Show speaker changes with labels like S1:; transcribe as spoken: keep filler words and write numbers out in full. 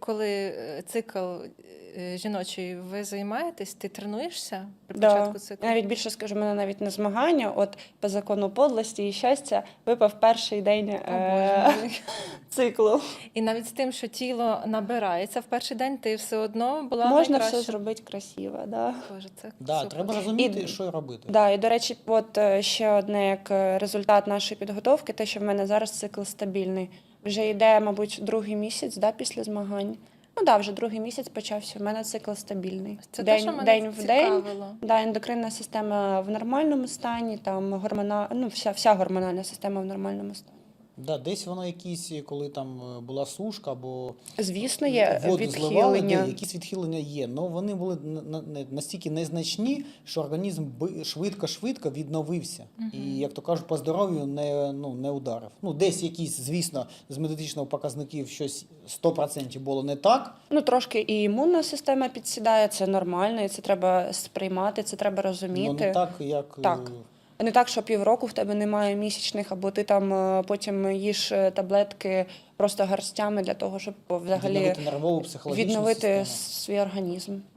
S1: коли е, цикл е, жіночий ви займаєтесь, ти тренуєшся при
S2: Да.
S1: початку циклу?
S2: Навіть більше скажу, мене навіть на змагання, от по закону подлості і щастя, випав перший день
S1: О,
S2: е-
S1: Боже мій.
S2: циклу.
S1: І навіть з тим, що тіло набирається в перший день, ти все одно була
S2: Можна
S1: найкраща.
S2: все зробити красиво. Да.
S1: Боже, це
S3: Да,
S1: супер.
S3: треба розуміти,
S2: І-
S3: що робити.
S2: Да, і, до речі, от е, ще одне як е, результат нашої підготовки, те, що в мене зараз цикл стабільний. Вже йде, мабуть, другий місяць, да, після змагань. Ну да, вже другий місяць почався. В мене цикл стабільний.
S1: Це
S2: день,
S1: те, що мене
S2: день в день.
S1: цікавило.
S2: Да, ендокринна система в нормальному стані, там гормона, ну, вся, вся гормональна система в нормальному стані.
S3: Да, десь воно якісь, коли там е, була сушка або
S2: Звісно, є
S3: воду зливали,
S2: відхилення.
S3: де якісь відхилення є. Але вони були на- на- на- настільки незначні, що організм би- швидко-швидко відновився. І, як то кажуть, по здоров'ю не, ну, не ударив. Ну, десь якісь, звісно, з медичного показників щось сто відсотків було не так.
S2: Ну, трошки і імунна система підсідає, це нормально, і це треба сприймати, це треба розуміти.
S3: Ну, не так, як... е,
S2: Так. А не так, що півроку в тебе немає місячних, або ти там е, потім їш е, таблетки просто гарстями для того, щоб взагалі
S3: відновити нервову психологічну
S2: відновити
S3: систему.
S2: свій організм.